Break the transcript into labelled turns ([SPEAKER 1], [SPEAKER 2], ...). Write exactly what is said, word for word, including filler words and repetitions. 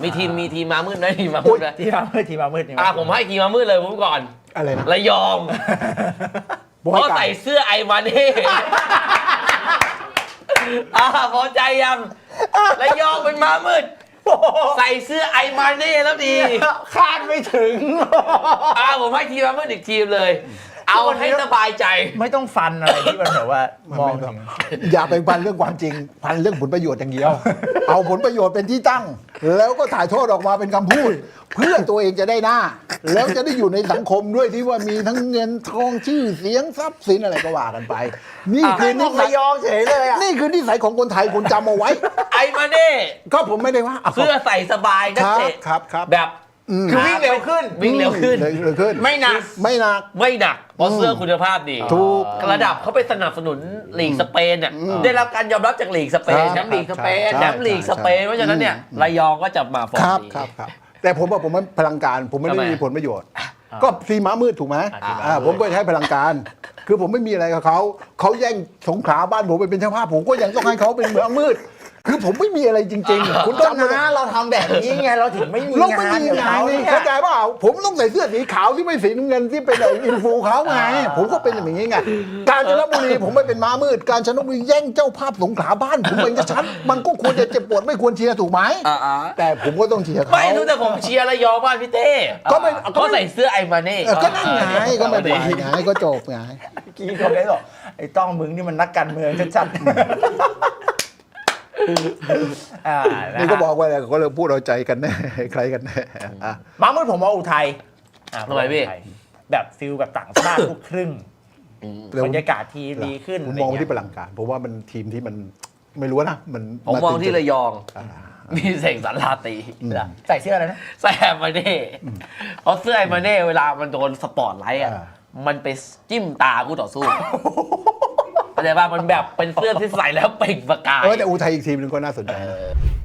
[SPEAKER 1] มีทีมมีทีมมามืดไหมทีมมามื
[SPEAKER 2] โอ้
[SPEAKER 1] ด
[SPEAKER 2] ย
[SPEAKER 1] ไหม
[SPEAKER 2] ทีมามืดทีมามืดที
[SPEAKER 1] อ่ะผมให้ทีมมามืดเลยผมก่อน
[SPEAKER 3] อะไรนะ
[SPEAKER 1] ระยอง
[SPEAKER 3] ผม
[SPEAKER 1] เพ
[SPEAKER 3] ให้
[SPEAKER 1] ราะ
[SPEAKER 3] ไก่
[SPEAKER 1] ใส่เสื้อไอมาเน่อ่าพอใจยังระยองเป็นมามืดใส่เสื้อไอมาเน่แล้วดี
[SPEAKER 2] คาดไม่ถึง
[SPEAKER 1] อ่าผมให้ทีมมามืดอีกทีมเลย เอาให้สบายใจ
[SPEAKER 2] ไม่ต้องฟันอะไรที่มันแบบว่ามองถึง
[SPEAKER 3] อย่าไปพันเรื่องความจริง พันเรื่องผลประโยชน์อย่างเดียว เอาผลประโยชน์เป็นที่ตั้ง แล้วก็ถ่ายทอดออกมาเป็นคำพูด เพื่อตัวเองจะได้หน้า แล้วจะได้อยู่ในสังคมด้วยที่ว่ามีทั้งเงินทองชื่อเสียงทรัพย์สินอะไรก็ว่ากันไป นี่คื
[SPEAKER 2] คือ อ
[SPEAKER 3] นิ
[SPEAKER 2] นี่
[SPEAKER 3] สั
[SPEAKER 2] ระ
[SPEAKER 3] ย
[SPEAKER 2] ยองเฉยเลยอ่ะ
[SPEAKER 3] นี่คือนิสัยของคนไทยคุณจำเอาไว้
[SPEAKER 1] ไอมาเน่
[SPEAKER 3] ก็ผมไม่ได้ว่าะ
[SPEAKER 1] เสื้อใส่สบายนัก
[SPEAKER 3] ครับ
[SPEAKER 1] เตะ
[SPEAKER 3] ครับครับ
[SPEAKER 1] แบบ
[SPEAKER 2] คือวิ่งเร็วขึ้น
[SPEAKER 1] วิ่งเร็วขึ้น
[SPEAKER 3] เร็วขึ้น
[SPEAKER 2] ไม่หนัก
[SPEAKER 3] ไม่หนัก
[SPEAKER 1] ไม่หนักเพราะเสื้อคุณภาพดี
[SPEAKER 3] ถูก
[SPEAKER 1] ระดับเขาไปสนับสนุนลีกสเปนเนี่ยได้รับการยอมรับจากลีกสเปน
[SPEAKER 3] ครับ
[SPEAKER 1] แชมป์ลีกสเปน
[SPEAKER 3] ใช่
[SPEAKER 1] แชมป์ลีกสเปน
[SPEAKER 3] ใช่
[SPEAKER 1] เพราะฉะนั้นเนี่ยระยองก็จะมาฟอร์
[SPEAKER 3] ค
[SPEAKER 1] ม
[SPEAKER 3] รับ
[SPEAKER 1] ดี
[SPEAKER 3] ครับครับแต่ผมว่าผมไม่พลังการ ผมไม่ได้
[SPEAKER 1] ทำไม
[SPEAKER 3] มีผลประโยชน์ ก็ทีม้ามืดถูกไหม
[SPEAKER 2] อ่า
[SPEAKER 3] อ่าผมก็ใช้พลังการ คือผมไม่มีอะไรกับเขาเขาแย่งสงขลาบ้านผมไปเป็นเจ้าภาพผมก็ยังต้องให้เขาเป็นเมืองมืด คือผมไม่มีอะไรจริง ๆ คุณ
[SPEAKER 2] ก็
[SPEAKER 3] จำไว้
[SPEAKER 2] นะเราทำแบบนี้ไงเราถึงไม่มี
[SPEAKER 3] เราไม่
[SPEAKER 2] งาน
[SPEAKER 3] มี
[SPEAKER 2] กับ
[SPEAKER 3] งาน
[SPEAKER 2] เขา
[SPEAKER 3] นี่
[SPEAKER 2] เนี่ย
[SPEAKER 3] เข้าใจเปล่าผมต้องใส่เสื้อสีขาวที่ไม่สีน้ำเงินที่เป็นไอ้อินฟูเขาไง ผมก็เป็นอย่างนี้ไง กาญจนบุรีผมไม่เป็นม้ามืด กาญจนบุรีแย่งเจ้าภาพสงขลาบ้านผมเป็นจะชัดมันก็ควรจะเจ็บปวดไม่ควรเชียร์ถูกไหม
[SPEAKER 1] อ่า
[SPEAKER 3] แต่ผมก็ต้องเชียร์เขา
[SPEAKER 1] ไม่รู้แต่ผมเชียร์ระยองบ้านพี่เต้
[SPEAKER 3] ก็ไม่ก็
[SPEAKER 1] ก็
[SPEAKER 3] ไม่
[SPEAKER 1] ใส่เสื้อไอมาเน่
[SPEAKER 3] เออก็นั่นไงก็ไม่เป็นไรไงก็จบไง
[SPEAKER 2] เมื่อกี้เขาได้บอกไอ้ต้องมึงนี่มันนักการเมืองชัดๆอ่านะ
[SPEAKER 3] นี่ก็บอกว่าอะไรก็เลยพูดเอาใจกันแน่ใครกันแน่อ่ะ
[SPEAKER 2] มาเมื่อผมว่าอุทัยอ่า
[SPEAKER 1] ทำไมพี่
[SPEAKER 2] อุทัยแบบฟิลแบบต่างชาติลูกครึ่งบรรยากาศทีมดีขึ้น
[SPEAKER 3] ผมมองไปที่พลังการผมว่ามันทีมที่มันไม่รู้นะมัน
[SPEAKER 1] ผมมองที่ระยอง
[SPEAKER 3] อ่า
[SPEAKER 1] มีเสกสรรลาตี
[SPEAKER 2] ใส่เสื้ออะไรนะ
[SPEAKER 1] ใส่ไอมาเน่เพราะเสื้อไอมาเน่เวลามันโดนสปอตไลท์อ่ะ
[SPEAKER 3] อ่า
[SPEAKER 1] มันไปจิ้มตาคู่ต่อสู้เข้าใจป่ะมันแบบเป็นเสื้อที่ใส่แล้วเปล่งประกาย
[SPEAKER 3] เออแต่อุทัยอีกทีมหนึงก็น่าสนใจนะ